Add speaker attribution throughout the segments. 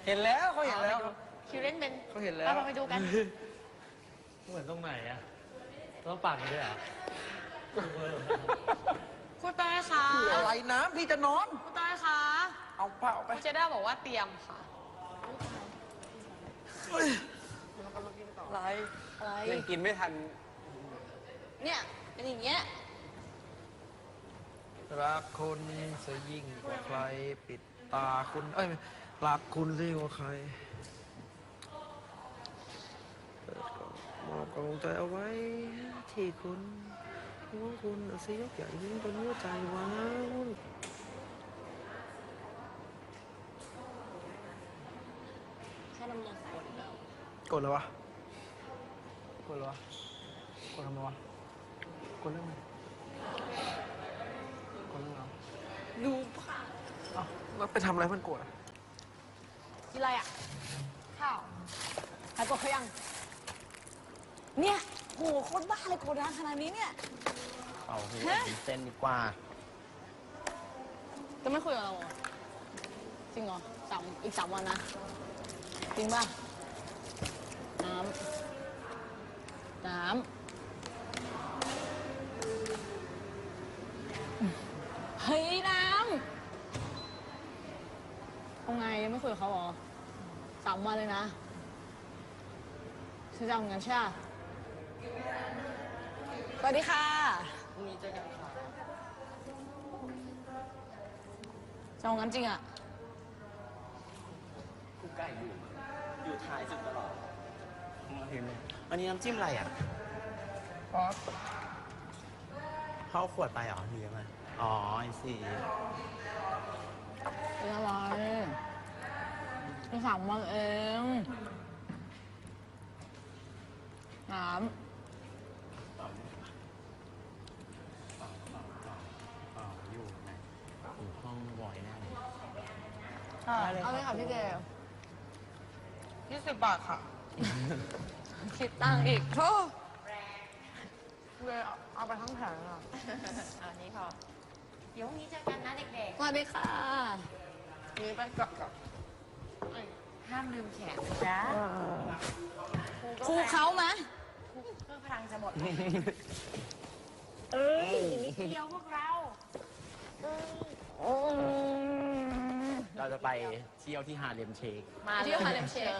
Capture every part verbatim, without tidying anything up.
Speaker 1: เห็นแล้วเขาเห็นแล้ว
Speaker 2: คิวเล่นเป็น
Speaker 1: เขาเห็นแล้ว
Speaker 2: เราไปดูกัน
Speaker 3: เหมือนตรงไหนอะต้องปากกันด้วยเหรอ
Speaker 2: คุณเต้ยคะ
Speaker 1: คืออะไรน้ำพี่จะนอน
Speaker 2: คุณเต้ยคะ
Speaker 1: เอาเปล่าไป
Speaker 2: คุณเจด้าบอกว่าเตรียมค่ะ
Speaker 1: อะไร
Speaker 2: อะไร
Speaker 1: ยังกินไม่ทัน
Speaker 2: เนี่ยเป็นอย่างเงี้ย
Speaker 1: รักคุณเสียยิ่งกว่าใครปิดตาคุณเอ้ยรักคุณเสียยิ่งกว่าใครเปิดกล่องมอบกำลังใจเอาไว้ที่คุณห่วงคุณเอาสิยกใหญ่ยิ่งเป็นหัวใจว้าว
Speaker 2: แค่น้ำมันกดแล้ว
Speaker 1: กดเลยวะกดเลยวะกดทำไมวะกดเรื่องอะไรกดเรื่องอะไร
Speaker 2: ดูผ่า
Speaker 1: เอ้าแล้วไปทำอะไรมันโกรธอะ
Speaker 2: กินอะไรอ่ะ ข้าวหายกดเขายัง เนี่ยโหโคตรบ้าเลยโกดดังขนาดนี้เนี่ย
Speaker 3: เอาพี่เส้นดีกว่า
Speaker 2: จะไม่คุยกับเราเหรอจริงเหรอสามอีกสามวันนะ จริงป่ะ น้ำ น้ำ เฮ้ย น้ำเอาไงยังไม่คุยกับเขาเหรอสามวันเลยนะฉันจะเอางั้นใช่ไหมสวัสดีค่ะพรุ่งนี้เจอกันค่ะจะเอางั้นจริงอ่ะ
Speaker 3: กูไก่อยู่ อยู่ท้ายสุดตลอดมาเห็นไหมอันนี้น้ำจิ้มอะไรอ่ะ
Speaker 1: อ๋อ
Speaker 3: เข้าขวดไปเหรอหรือยังไงอ๋อไอซี
Speaker 2: เป็นอะไรเป็นสามวันเอง น้
Speaker 3: อ๋ออยู่ไหนอยู่ห้องบอยแน่เลย
Speaker 2: ำเอาเลยค่ะพี่เจล
Speaker 1: ยี่สิบบาทค่ะ
Speaker 2: คิดตังค์อีกโธ่
Speaker 1: เลยเอาไปทั้งแผงอ่ะ
Speaker 2: อันนี้พอ
Speaker 4: เดี๋ยวพรุ่งนี้เจอกันนะเด็ก
Speaker 2: สวัสดีค่ะ
Speaker 1: นี่ไปกลับกับ
Speaker 4: ๆ ห้ามลืมแขนนะ
Speaker 2: ครูเขาไหม
Speaker 4: เพื่อพลังจะหมด เอ้ยนิดเดียวพวกเรา
Speaker 3: เราจะไปเที่ยวที่ฮาเลมเชค
Speaker 2: มาเที่ยวฮาเลมเชค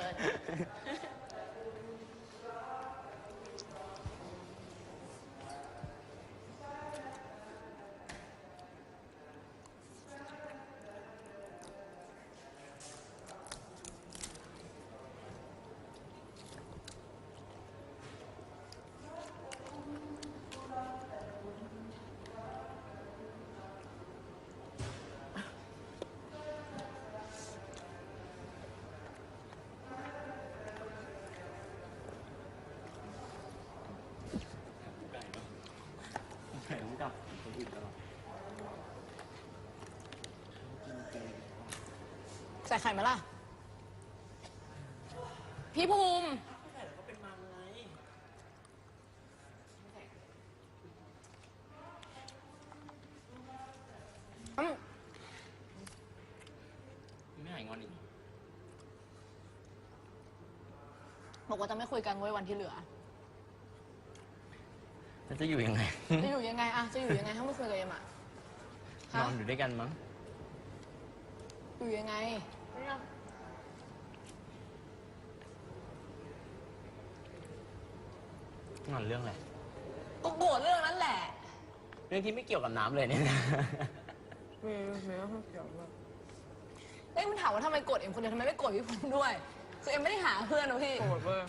Speaker 3: แข็งกับคนอื่นตลอด
Speaker 2: ใส่ไข่ไหมล่ะ พี่ภูมิ
Speaker 3: ก็เป็นมังไง
Speaker 2: อืม
Speaker 3: ไม่หายงอนอีก
Speaker 2: บอกว่าจะไม่คุยกันเว้ยวันที่เหลือ
Speaker 3: แล้วจะอยู่ยังไง
Speaker 2: จะอยู่ยังไงอะจะอยู่ยังไงถ้าไม่คุยกับเอ็มอะ
Speaker 3: นอนอยู่ด้วยกันมั้ง
Speaker 2: อยู่ยังไง
Speaker 3: งอนเรื่องอะไร
Speaker 2: ก็โกรธเรื่องนั้นแหละ
Speaker 3: เรื่องที่ไม่เกี่ยวกับน้ำเลยเนี่ย
Speaker 1: มีมีต้องเกี่ยวด้วย
Speaker 2: เอ้ยมันถามว่าทำไมโกรธเอ็มคนเดียวทำไมไม่โกรธพี่ภูมิด้วย คือเอ็มไม่ได้หาเพื่อนนะพี่
Speaker 1: โกรธเว้ย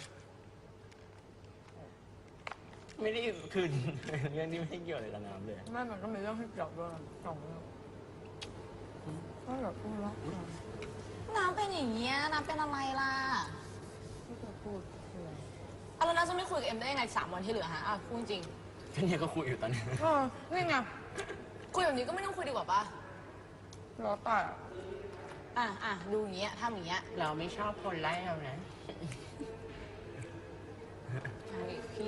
Speaker 3: ไม่ได้คือ เรื่องที่ไม่เกี่ยวอะไรกับน้ำเลย
Speaker 1: แม่มันก็มีเรื่องให้เกี่ยวด้วยสองเรื่องก็แบบพูดแล้ว
Speaker 2: น้ำเป็นอย่างเงี้ย น้ำเป็นอะไรล่ะ
Speaker 1: ที่จะพูดคืออะไร
Speaker 2: เอาแล้วน้ำจะไม่คุยกับเอ็มได้ยังไงสามวันที่เหลือฮะอ่ะพูดจริง
Speaker 3: ก็เนี่ยก็คุยอยู่ตอนนี้
Speaker 1: เออนี่ไง
Speaker 2: คุยแบบนี้ก็ไม่ต้องคุยดีกว่าปะ
Speaker 1: แล้วแต่
Speaker 2: อ่ะอ่ะดูอย่างเงี้ยทำอย่างเงี้ย
Speaker 3: เราไม่ชอบคนไล่เรานะ
Speaker 2: ใช่พี่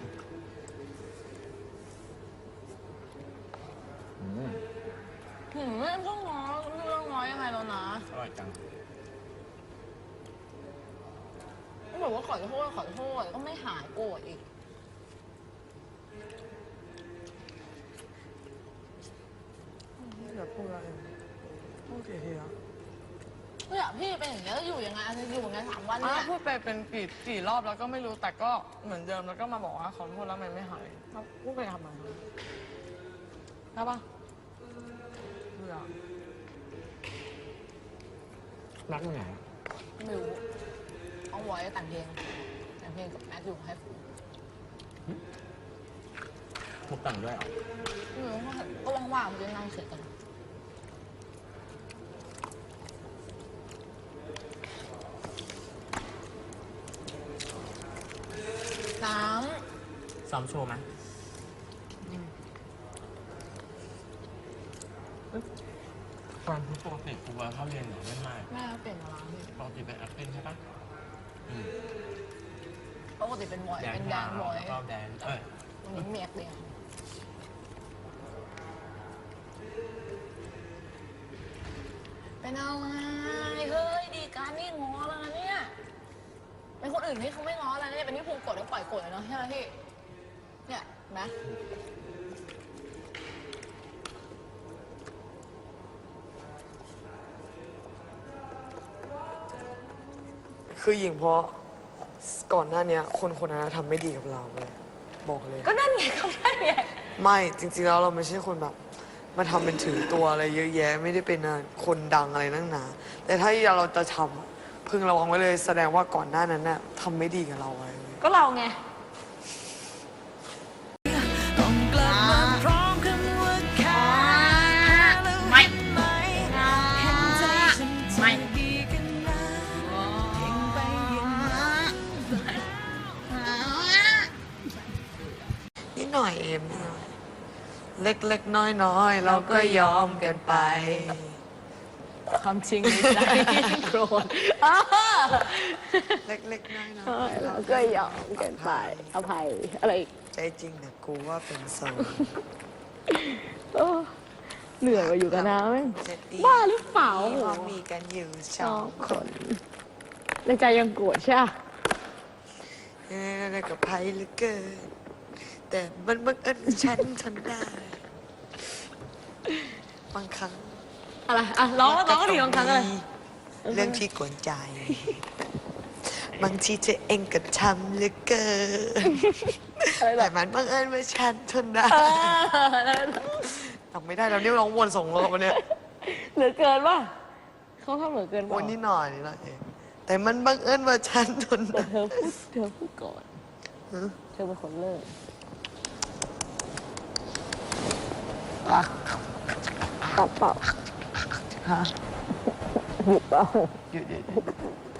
Speaker 3: อืม
Speaker 2: หืมไม่ต้องง้อไม่ต้องง้อยังไงแล้วนะ
Speaker 3: อร่อยจัง
Speaker 2: บอกว่าขอโทษขอโทษก็ไม่หายโกรธอีก
Speaker 1: อย่าพูดอะไรพูดกี่ทีอะ
Speaker 2: เนี่ยพี่เป็นอย่างนี้แล้วอยู่ยังไงจะอยู่ยังไงสามวัน
Speaker 5: อ่ะ
Speaker 2: เนี่ย
Speaker 5: พูดไปเป็นกี่กี่รอบแล้วก็ไม่รู้แต่ก็เหมือนเดิมแล้วก็มาบอกว่าขอโทษแล้วมันไม่หายพูดไปทำไมใช่ปะเบื่อ
Speaker 1: รักไหน
Speaker 2: ไม่รู้เอาไว้แต่งเพลงแต่งเพลงกับแมทอยู่ให้ฟู
Speaker 3: มุกต่างด้วยเหรอ
Speaker 2: ไม่รู้ก็ว่างๆมันจะนั่งเฉยกันน้
Speaker 3: ซ้อมโชว์ไหมความที่ปกติครูว่าเข้าเรียนหรือไม่ไม่
Speaker 2: ำแม่เปลี่ยนมาร้านพี่
Speaker 3: ปกติเป็น acting ใช่ปะอืม
Speaker 2: ปกติเป็นบอย
Speaker 3: แดน
Speaker 2: เป็นแดนบอย
Speaker 3: แล้วก็แดนเอ้ย
Speaker 2: วันนี้เมียเดียวเป็นอะไรเฮ้ยดีการนี่ง้อแล้วนะเนี่ยเป็นคนอื่นที่เขาไม่ง้อแล้วเนี่ยเป็นที่ภูมิกดแล้วปล่อยกดเลยเนาะใช่ไหมพี่เนี่ยเห็นไหม
Speaker 1: คือหญิงเพราะก่อนหน้าเนี้ย คนคนนั้นทำไม่ดีกับเราเลยบอกเลย
Speaker 2: ก็นั่นไงก็นั่นไง
Speaker 1: ไม่จริงๆแล้วเราไม่ใช่คนแบบมาทำเป็นถือตัวอะไรเยอะแยะ ไม่ได้เป็นคนดังอะไรนั่งหนาแต่ถ้าเราจะทำอะพึงระวังไว้เลยแสดงว่าก่อนหน้านั้นน่ะทำไม่ดีกับเราไว้
Speaker 2: ก็เราไง ไม่ไม่
Speaker 1: นิดหน่อยเอ็มนิดหน่อยเล็กๆน้อยๆเราก็ยอมกันไป
Speaker 2: ความจริงในใจโกรธ
Speaker 1: เล็กๆน้อยๆ
Speaker 2: เราก็ยอมกันไปอภัยอะไรอีก
Speaker 1: ใจจริงนะกูว่าเป็นโซน
Speaker 2: เหนื่อยมาอยู่กับน้าไหม
Speaker 1: จะดี
Speaker 2: บ้าหรือเปล่า
Speaker 1: เพราะมีกันอยู่สองคน
Speaker 2: ในใจยังโกรธใช่ไหม
Speaker 1: เอ้ยกับไพ่เหลือเกินแต่มันบังเอิญฉันทนได้บางครั้ง
Speaker 2: อะไรอ่ะร้องร้องก็ดีบางครั้งเลย
Speaker 1: เรื่องที่กวนใจ บางทีเธอเองก็ทำเหลือเกินแต่มันบังเอิญว่าฉันทนได้ทำไม่ได้แล้วเนี่ยร้องวนส่งรอบมาเนี่ย
Speaker 2: เหลือเกินป่ะเขาทำเหลือเกิน
Speaker 1: ว
Speaker 2: ป่ะ
Speaker 1: นนิดหน่อยนี่แหละเองแต่มันบังเอิญว่าฉันทน
Speaker 2: แต่
Speaker 1: ได้
Speaker 2: เธอพูดเธอพูดก่อนเธอเป็นคนเลิกตัดเปล่า
Speaker 1: ฮะ
Speaker 2: หยุดเปล่า
Speaker 1: หยุดหยุดหยุด